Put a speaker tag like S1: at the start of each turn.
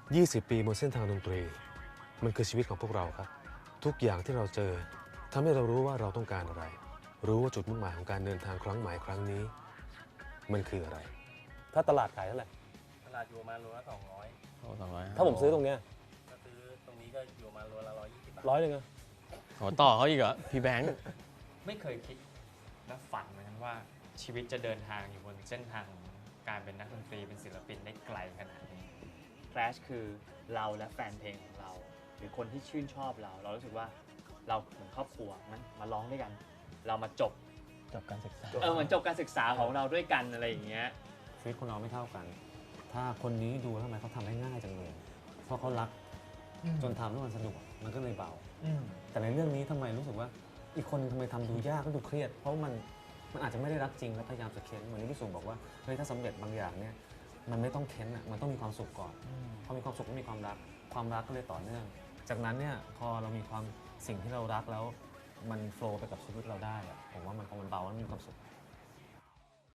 S1: 20 ปีบนเส้นทางดนตรีมันคือชีวิตของพวกเราครับทุกอย่างที่เราเจอทำให้เรารู้ว่าเราต้องการอะไรรู้ว่าจุดมุ่งหมายของการเดินทางครั้งใหม่ครั้งนี้มันคืออะไรถ้าตลาดขายเท่าไหร่
S2: ตลาดอยู่มาโลละ200
S3: โอ้200
S1: ถ้าผมซื้อตรงเนี้ย
S2: ถ้าซื้อตรงนี้ก็อยู่มาโลละ120 บาท
S1: 100เลยนะ
S3: โหต่อเขาอีกเหรอพี่แบงค์
S4: ไม่เคยคิดและฝันเหมือนกันว่าชีวิตจะเดินทางอยู่บนเส้นทางของการเป็นนักดนตรีเป็นศิลปินได้ไกลขนาดนี้
S5: Clash คือเราและแฟนเพลงของเรา หรือคนที่ชื่นชอบเรารู้สึกว่าเราเหมือนครอบครัวมันมาร้องด้วยกัน เรามาจบ
S3: การศึกษา
S5: เหมือนจบการศึกษาของเราด้วยกันอะไรอย่างเงี้ย
S6: ชีวิตคนเราไม่เท่ากัน ถ้าคนนี้ดูแล้วทำไมเขาทำได้ง่ายจังเลย เพราะเขารักจนทำแล้วมันสนุกมันก็เลยเบา แต่ในเรื่องนี้ทำไมรู้สึกว่าอีกคนทำไมทำดูยากก็ดูเครียด เพราะมันอาจจะไม่ได้รักจริงแล้วพยายามจะเค้นเหมือนที่พี่สุบอกว่าเฮ้ยถ้าสำเร็จบางอย่างเนี่ยมันไม่ต้องเค้นอ่ะมันต้องมีความสุขก่อนพอมีความสุขก็มีความรักก็เลยต่อเนื่อง จากนั้นเนี่ยพอเรามีความสิ่งที่เรารักแล้วมันโฟล์ไปกับชีวิตเราได้อะผมว่ามันพอมันเบาแล้วมันมีความสุข